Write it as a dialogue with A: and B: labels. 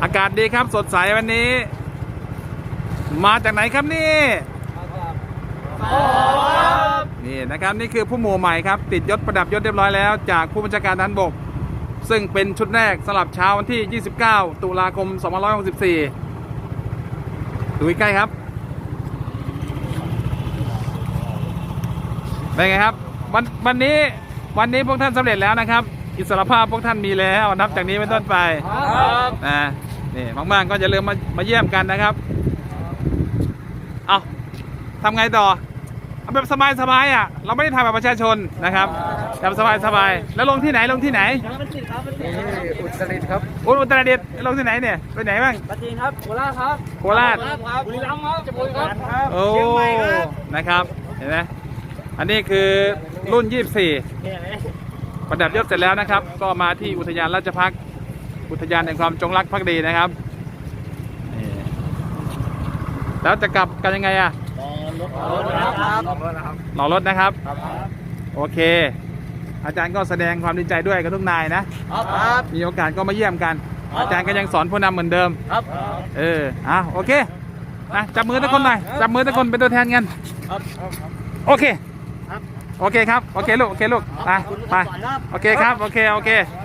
A: อากาศดีครับสดใสวันนี้มาจากไหนครับนี่นี่นะครับนี่คือผู้หมู่ใหม่ครับติดยศประดับยศเรียบร้อยแล้วจากผู้บัญชาการทหารบกซึ่งเป็นชุดแรกสำหรับเช้าวันที่ 29 ตุลาคม 2564 ดูใกล้ครับเป็นไงครับวันนี้พวกท่านสำเร็จแล้วนะครับอิสรภาพพวกท่านมีแล้วนับจากนี้เป็นต้นไปนะนี่มากๆก็อย่าลืมมาเยี่ยมกันนะครับเอาทำไงต่อเอาแบบสบายๆอ่ะเราไม่ได้ทำแบบประชาชนนะครับแบบสบายๆแล้วลงที่ไหนอุตรดิตถ์ครับอุตรดิตถ์ลงที่ไหนเนี่ยไปไหนบ้าง
B: ปัตตานีครับโคราชครับ
A: โคราช
B: บุรีรัมย์ครับจังหวัดครับ
A: โอ้นะครับเห็นไหมอันนี้คือรุ่น 24 ประดับยศเสร็จแล้วนะครับก็มาที่อุทยานราชภัฏอุทยานแห่งความจงรักภักดีนะครับแล้วจะกลับกันยังไงอะรอรถนะครับโอเคอาจารย์ก็แสดงความดีใจด้วยกับทุกนายนะมีโอกาสก็มาเยี่ยมกันอาจารย์ก็ยังสอนผู้นำเหมือนเดิมโอเคจับมือทุกคนหน่อยจับมือทุกคนเป็นตัวแทนกันโอเคครับโอเคลูกไปโอเคครับโอเค